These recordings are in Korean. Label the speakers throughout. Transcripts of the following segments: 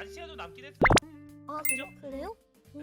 Speaker 1: 시야도 남긴 했어요.
Speaker 2: 아
Speaker 1: 그죠?
Speaker 2: 그래요?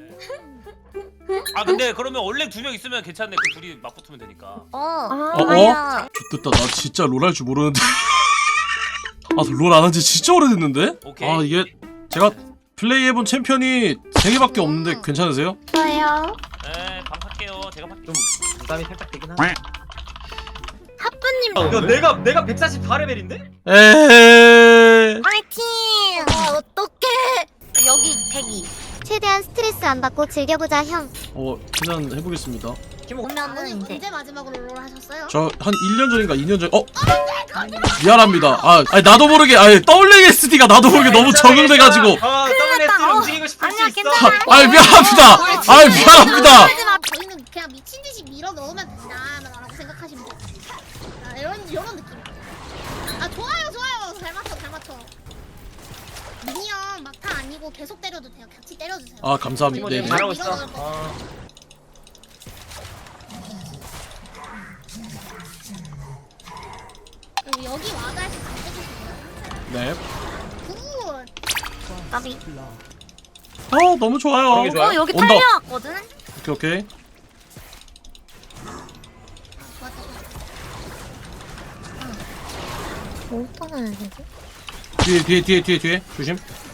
Speaker 1: 아 근데 그러면 원래 2명 있으면 괜찮네. 그 둘이 맞붙으면 되니까.
Speaker 2: 아야.
Speaker 3: 좋됐다. 나 진짜 롤 할 줄 모르는데. 아, 롤 안 한 지 진짜 오래됐는데?
Speaker 1: 오케이.
Speaker 3: 아, 이게 제가 플레이해본 챔피언이 3개밖에 없는데 괜찮으세요?
Speaker 2: 저요.
Speaker 1: 네, 반할게요. 제가 할게요.
Speaker 4: 좀 부담이 살짝 되긴 하네.
Speaker 2: 하프님
Speaker 4: 야, 내가 144레벨인데?
Speaker 3: 에헤.
Speaker 2: 파이팅. 어떡해. 여기 대기.
Speaker 5: 최대한 스트레스 안 받고 즐겨보자 형.
Speaker 3: 그냥 해보겠습니다.
Speaker 2: 오면은 이제.
Speaker 5: 언제 마지막으로 롤 하셨어요?
Speaker 3: 저 한 1년 전인가 2년 전. 미안합니다. 나도 모르게, WSD가 나도 모르게 너무 적응돼가지고.
Speaker 4: WS를 움직이고 싶을 수
Speaker 2: 아니야,
Speaker 4: 있어.
Speaker 2: 괜찮아.
Speaker 3: 미안합니다. 미안합니다.
Speaker 5: 저희는 그냥 미친 듯이 밀어 넣으면 된다라고 생각하시면 돼요. 아, 이런 느낌. 아 좋아요. 잘 맞춰. 미니언 막타 아니고 계속 때려도 돼요. 같이 때려주세요.
Speaker 3: 아, 감사합니다.
Speaker 4: 팀원님
Speaker 3: 네.
Speaker 4: 잘하고 있어.
Speaker 5: 그리고 여기 와가 해서 다 해주세요.
Speaker 3: 네.
Speaker 5: 굿.
Speaker 2: 까비.
Speaker 3: 너무 좋아요.
Speaker 4: 그런 게 좋아요.
Speaker 2: 여기
Speaker 3: 온다.
Speaker 2: 탈려왔거든.
Speaker 3: 오케이.
Speaker 5: 좋았다.
Speaker 2: 뭐 떠나야 되지?
Speaker 3: 뒤에. 조심.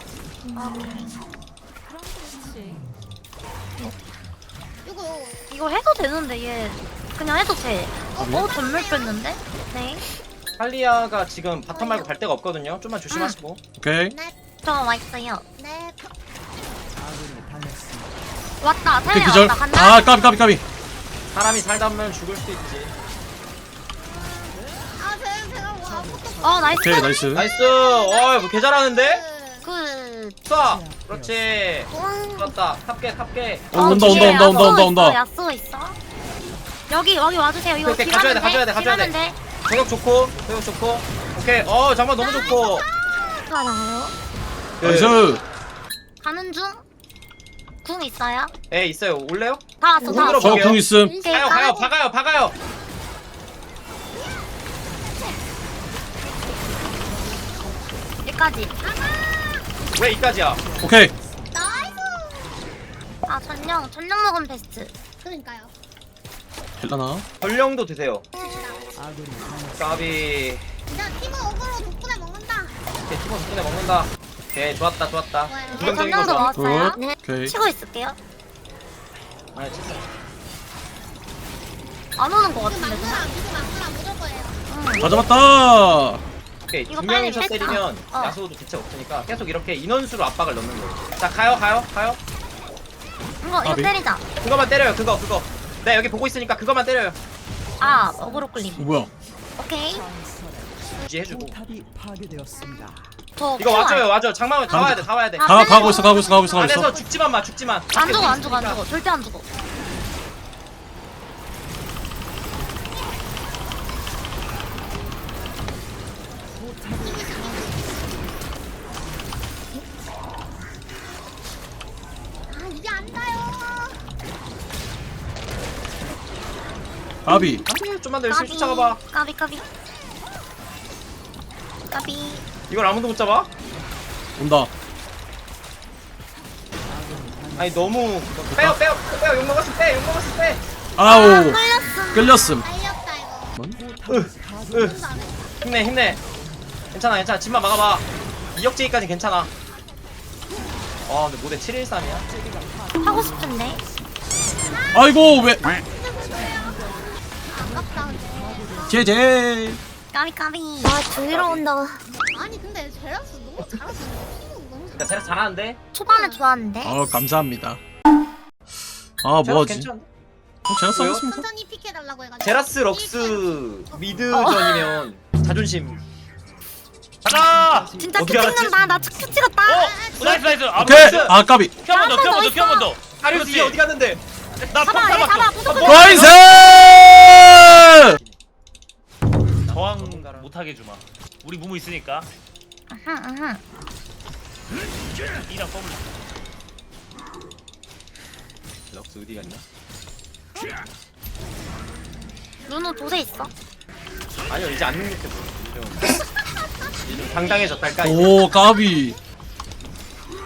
Speaker 2: 이거 해도 되는데 얘 그냥 해도 돼.
Speaker 3: 그래요?
Speaker 2: 전멸 뺐는데? 네.
Speaker 4: 할리아가 지금 바텀 말고 갈 데가 없거든요. 좀만 조심하시고.
Speaker 3: 오케이.
Speaker 2: 저 와있어요.
Speaker 5: 네.
Speaker 2: 왔다.
Speaker 3: 오케이,
Speaker 2: 탈려
Speaker 3: 기절.
Speaker 2: 왔다. 간다.
Speaker 3: 까비.
Speaker 4: 사람이 살다 보면 죽을 수도 있지.
Speaker 5: 아 제가 뭐 아무것도
Speaker 2: 나이스.
Speaker 3: 오케이, 나이스.
Speaker 4: 나이스. 뭐개 잘하는데?
Speaker 2: 굿.
Speaker 4: 쏴. 그렇지. 좋았다. 탑게.
Speaker 3: 온다.
Speaker 2: 야쏘 있어. 여기 와주세요. 이거
Speaker 4: 오케이, 가져야 돼,
Speaker 2: 딜하면
Speaker 4: 가져야 돼. 공격 좋고. 오케이. 장만 너무 좋고.
Speaker 2: 가나요?
Speaker 3: 나이스.
Speaker 2: 가는 중. 궁 있어요?
Speaker 4: 예, 있어요. 올래요?
Speaker 2: 다 왔어. 다
Speaker 4: 궁으로
Speaker 2: 왔어.
Speaker 3: 저 궁 있음.
Speaker 2: 오케이,
Speaker 4: 가요. 박아요.
Speaker 2: 여기까지.
Speaker 4: 왜 이까지야?
Speaker 3: 오케이.
Speaker 5: 나이스.
Speaker 2: 전령 먹으면 베스트.
Speaker 5: 그러니까요.
Speaker 3: 헬라나.
Speaker 4: 전령도 드세요. 까비.
Speaker 5: 그냥 팀은 어그로 덕분에 먹는다.
Speaker 4: 오케이, 팀원 덕분에 먹는다. 오케이, 좋았다.
Speaker 5: 좋아요.
Speaker 4: 부정적인 거
Speaker 2: 전령도
Speaker 4: 좋아.
Speaker 2: 먹었어요.
Speaker 3: 굿.
Speaker 2: 네.
Speaker 3: 오케이.
Speaker 2: 치고 있을게요.
Speaker 4: 아, 진짜.
Speaker 2: 안 오는 거
Speaker 5: 이거
Speaker 2: 같은데 그냥.
Speaker 5: 막무라 무조건 거예요.
Speaker 3: 다 잡았다.
Speaker 4: 오케이,
Speaker 2: 이거
Speaker 4: 두
Speaker 2: 빨리
Speaker 4: 명이서
Speaker 2: 뺐다.
Speaker 4: 때리면
Speaker 2: 어.
Speaker 4: 야수도 대책 없으니까 계속 이렇게 인원수로 압박을 넣는 거예요. 자, 가요.
Speaker 2: 이거
Speaker 3: 아, 네.
Speaker 2: 때리자.
Speaker 4: 그거만 때려요. 그거. 네, 여기 보고 있으니까 그거만 때려요.
Speaker 2: 어그로 끌림.
Speaker 3: 뭐야?
Speaker 2: 오케이.
Speaker 4: 유지해주고.
Speaker 2: 저
Speaker 4: 이거 와줘요. 장마을 다 와야 돼.
Speaker 3: 가고 있어.
Speaker 4: 안에서 죽지만 마.
Speaker 2: 안 죽어. 절대 안 죽어.
Speaker 5: 아 이게 안 가요.
Speaker 3: 까비.
Speaker 4: 안돼, 좀만 더 열심히 쫓아가봐.
Speaker 2: 까비.
Speaker 4: 이걸 아무도 못 잡아?
Speaker 3: 온다.
Speaker 4: 아니 너무 빼요. 욕 먹었어 빼.
Speaker 3: 아우. 끌렸음.
Speaker 5: 달렸다 이거.
Speaker 4: 힘내. 괜찮아. 집만 막아봐. 2억제기까지 괜찮아. 근데 모델 713이야?
Speaker 2: 하고 싶은데.
Speaker 3: 아이고, 왜?
Speaker 5: 아깝다 근데.
Speaker 3: 제제.
Speaker 2: 까비.
Speaker 5: 뒤로 온다. 아니 근데 제라스 너무 잘하시네. 너무
Speaker 4: 그러니까 제가 잘하는데
Speaker 2: 초반에 좋았는데.
Speaker 3: 감사합니다.
Speaker 4: 제라스
Speaker 3: 뭐하지?
Speaker 4: 괜찮은데?
Speaker 3: 제가
Speaker 4: 왜요?
Speaker 3: 써봤습니다.
Speaker 5: 천천히 픽해달라고 해가지고.
Speaker 4: 제라스 럭스 미드전이면 자존심.
Speaker 1: 가자.
Speaker 2: 진짜 큐
Speaker 4: 어떻게 알았지?
Speaker 2: 찍는다. 나 큐 찍었다.
Speaker 1: 나이스.
Speaker 3: 오케이. 까비.
Speaker 1: 키 한 번 더.
Speaker 4: 다리우스 이 어디 갔는데?
Speaker 1: 나
Speaker 2: 잡아. 얘 잡아. 무조건.
Speaker 3: 나이스!
Speaker 1: 저항 못하게 주마. 우리 무무 있으니까.
Speaker 2: 아하.
Speaker 1: 이랑 더블.
Speaker 4: 럭스 어디 갔냐?
Speaker 2: 누누 도세 있어.
Speaker 4: 아니요, 이제 안 능력해 보여. 좀 당당해졌달까?
Speaker 3: 오, 까비.